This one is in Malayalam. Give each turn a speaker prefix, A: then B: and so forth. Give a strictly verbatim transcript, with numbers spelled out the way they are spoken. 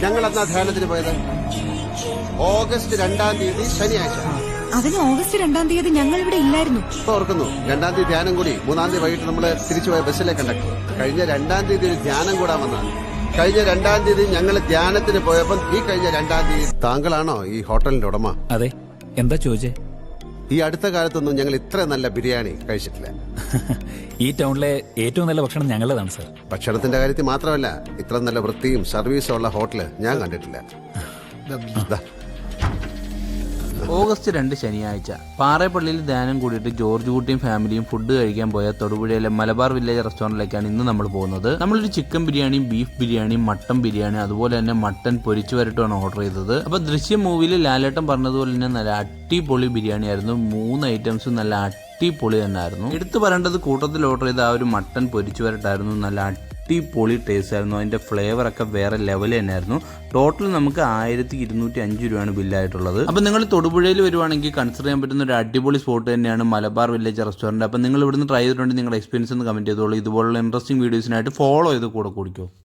A: ഞങ്ങൾ എന്നാ ധ്യാനത്തിന് പോയത്? ഓഗസ്റ്റ് രണ്ടാം തീയതി ശനിയാഴ്ച.
B: അതിന് ഓഗസ്റ്റ് രണ്ടാം തീയതി ഞങ്ങൾ ഇവിടെ ഇല്ലായിരുന്നു.
A: ഓർക്കുന്നു, രണ്ടാം തീയതി ധ്യാനം കൂടി മൂന്നാം തീയതി വൈകിട്ട് നമ്മള് തിരിച്ചുപോയ ബസ്സിലെ കണ്ടക്ടർ കഴിഞ്ഞ രണ്ടാം തീയതി ഒരു ധ്യാനം കൂടാൻ വന്നതാണ്. കഴിഞ്ഞ രണ്ടാം തീയതി ഞങ്ങൾ ധ്യാനത്തിന് പോയപ്പോൾ ഈ കഴിഞ്ഞ രണ്ടാം തീയതി താങ്കളാണോ ഈ ഹോട്ടലിന്റെ ഉടമ?
C: അതെ, എന്താ ചോദിച്ചേ?
A: ഈ അടുത്ത കാലത്തൊന്നും ഞങ്ങൾ ഇത്ര നല്ല ബിരിയാണി കഴിച്ചിട്ടില്ല.
C: ഈ ടൗണിലെ ഏറ്റവും നല്ല ഭക്ഷണം ഞങ്ങളുടേതാണ് സാർ.
A: ഭക്ഷണത്തിന്റെ കാര്യത്തിൽ മാത്രമല്ല, ഇത്ര നല്ല വൃത്തിയും സർവീസും ഉള്ള ഹോട്ടല് ഞാൻ കണ്ടിട്ടില്ല. ദാ.
D: ഓഗസ്റ്റ് രണ്ട് ശനിയാഴ്ച പാറേപ്പള്ളിയിൽ ധ്യാനം കൂടിയിട്ട് ജോർജ് കുട്ടിയും ഫാമിലിയും ഫുഡ് കഴിക്കാൻ പോയ തൊടുപുഴയിലെ മലബാർ വില്ലേജ് റെസ്റ്റോറന്റിലേക്കാണ് ഇന്ന് നമ്മൾ പോകുന്നത്. നമ്മളൊരു ചിക്കൻ ബിരിയാണിയും ബീഫ് ബിരിയാണിയും മട്ടൻ ബിരിയാണി അതുപോലെ തന്നെ മട്ടൻ പൊരിച്ചു വരട്ടുമാണ് ഓർഡർ ചെയ്തത്. അപ്പൊ ദൃശ്യം മൂവിയിൽ ലാലേട്ടൻ പറഞ്ഞതുപോലെ തന്നെ നല്ല അടിപൊളി ബിരിയാണി ആയിരുന്നു. മൂന്ന് ഐറ്റംസും നല്ല അടിപൊളി തന്നെ ആയിരുന്നു. എടുത്തു പറയേണ്ടത് കൂട്ടത്തിൽ ഓർഡർ ചെയ്ത ആ ഒരു മട്ടൻ പൊരിച്ചു വരട്ടായിരുന്നു. നല്ല അടിപൊളി ടേസ്റ്റ് ആയിരുന്നു. അതിന്റെ ഫ്ലേവർ ഒക്കെ വേറെ ലെവൽ തന്നെയായിരുന്നു. ടോട്ടൽ നമുക്ക് ആയിരത്തി ഇരുന്നൂറ്റി അഞ്ച് രൂപയാണ് ബില്ലായിട്ടുള്ളത്. അപ്പൊ നിങ്ങൾ തൊടുപുഴയിൽ വരുവാണെങ്കിൽ കൺസിഡർ ചെയ്യാൻ പറ്റുന്ന ഒരു അടിപൊളി സ്പോട്ട് തന്നെയാണ് മലബാർ വില്ലേജ് റെസ്റ്റോറന്റ്. അപ്പൊ നിങ്ങൾ ഇവിടുന്ന് ട്രൈ ചെയ്തിട്ടുണ്ടെങ്കിൽ നിങ്ങളുടെ എക്സ്പീരിയൻസ് ഒന്ന് കമന്റ് ചെയ്തോളൂ. ഇതുപോലുള്ള ഇൻട്രസ്റ്റിംഗ് വീഡിയോസിനായിട്ട് ഫോളോ ചെയ്ത് കൂടെ കുടിക്കോ.